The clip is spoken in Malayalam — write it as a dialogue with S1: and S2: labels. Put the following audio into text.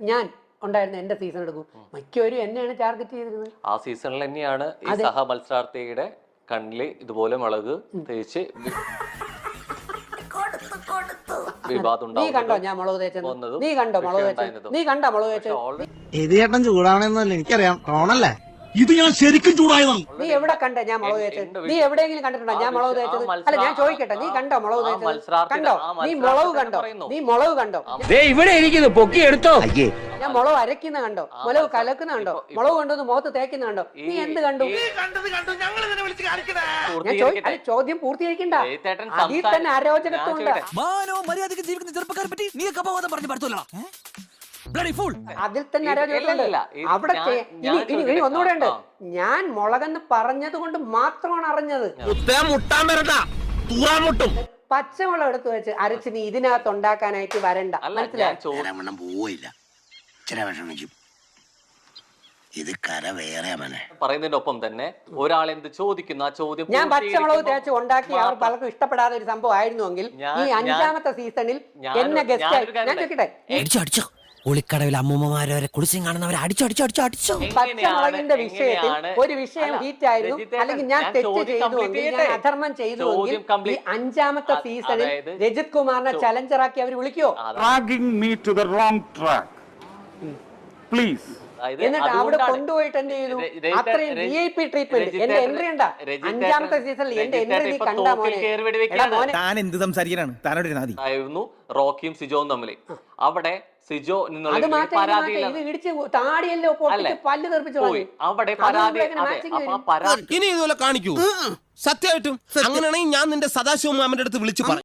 S1: ഞാൻ ഉണ്ടായിരുന്ന എന്റെ സീസൺ എടുക്കും, മിക്കവരും എന്നെയാണ് ടാർഗറ്റ് ചെയ്തിരുന്നത്.
S2: ആ സീസണിൽ തന്നെയാണ് ഈ സഹ മത്സരാർത്ഥിയുടെ കണ്ണില് ഇതുപോലെ മുളക് തേച്ച് വിവാദം
S1: നീ കണ്ടോ ഞാൻ മുളക് തേച്ചത്? നീ കണ്ടോ മുളക് തേച്ചത്? നീ കണ്ടോ മുളക് തേച്ചത്?
S3: ഇത് ചേട്ടൻ ചൂടാവണമെന്നല്ല എനിക്കറിയാം, ടോണല്ലേ ഇത്. ഞാൻ ശരിക്കും ചൂടായതാണ്.
S1: നീ എവിടെ കണ്ടേ ഞാൻ മുളക് തേച്ചത്? നീ എവിടെയെങ്കിലും കണ്ടിട്ടുണ്ടോ ഞാൻ മുളക് തേച്ചത്? അല്ല ഞാൻ ചോദിക്കട്ടെ, നീ കണ്ടോ മുളക് തേച്ചത്? കണ്ടോ? നീ മുളക് കണ്ടോ? നീ മുളക് കണ്ടോ?
S4: ഇവിടെ ഇരിക്കുന്നു, പൊക്കി എടുത്തോ.
S1: ഞാൻ മുളക് അരക്കുന്ന കണ്ടോ? മുളക് കലക്കുന്ന കണ്ടോ? മുളക് കൊണ്ടുവന്ന് മുഖത്ത് തേക്കുന്ന കണ്ടോ? നീ എന്ത് കണ്ടു? ഞാൻ ചോദ്യം പൂർത്തീകരിക്കണ്ട, അതിൽ തന്നെ അരോചകത്വമുണ്ട്. അതിൽ തന്നെ അരോചകത്വമുണ്ട്. അവിടെ ഇനി ഒന്നുകൂടെ ഉണ്ട്. ഞാൻ മുളകെന്ന് പറഞ്ഞത് കൊണ്ട് മാത്രമാണ് അറിഞ്ഞത്. പച്ചമുളക് എടുത്തു വെച്ച് അരച്ച് നീ ഇതിനകത്ത് ഉണ്ടാക്കാനായിട്ട് വരണ്ട, മനസ്സിലായി?
S3: ഇത് കര വേറെ
S2: പറയുന്നതിന്റെ ഒപ്പം തന്നെ ഒരാൾ എന്ത് ചോദിക്കുന്നു ആ ചോദ്യം
S1: ഞാൻ പച്ചമുളക് തേച്ച് ഉണ്ടാക്കി അവർ പലർക്കും ഇഷ്ടപ്പെടാത്ത ഒരു സംഭവം ആയിരുന്നുവെങ്കിൽ ഈ 5ാമത്തെ സീസണിൽ എന്നെ ഗസ്റ്റ് ഞാൻ ചോദിക്കട്ടെ,
S4: ഒളിക്കടവിൽ അമ്മൂമ്മമാരെ കുളിച്ചും കാണുന്നവരെ അടിച്ചോ.
S1: പച്ചമുളകിന്റെ വിഷയത്തിൽ ഒരു വിഷയം ഹീറ്റ് ആയിരുന്നു, അല്ലെങ്കിൽ ഞാൻ തെറ്റ് ചെയ്തുവെങ്കിൽ, ഞാൻ അധർമ്മം ചെയ്തുവെങ്കിൽ ഈ 5ാമത്തെ സീസണിൽ രജിത് കുമാറിനെ ചലഞ്ചറാക്കി അവർ വിളിക്കോ? എന്നിട്ട് അവിടെ കൊണ്ടുപോയിട്ട് എന്ത് ചെയ്തു? അത്രയും VIP ട്രീറ്റ്മെന്റ്. എന്റെ എൻട്രി ഉണ്ടാ 5ാമത്തെ സീസണിൽ എന്റെ എൻട്രി നീ കണ്ടാ മോനെ?
S3: താൻ എന്ത് സംസാരിക്കാനാണ്?
S2: റോക്കിയും സിജോവും തമ്മിൽ അവിടെ സിജോ
S1: ഇത് ഇടിച്ച് താടിയല്ലോ പൊട്ടിച്ച് പല്ല് തെറിപ്പിച്ചു
S2: അവിടെ പരാതി.
S5: ഇനി ഇതുപോലെ കാണിക്കൂ സത്യമായിട്ടും. അങ്ങനെയാണെങ്കിൽ ഞാൻ നിന്റെ സദാശിവ മാമന്റെ അടുത്ത് വിളിച്ചു പറയും.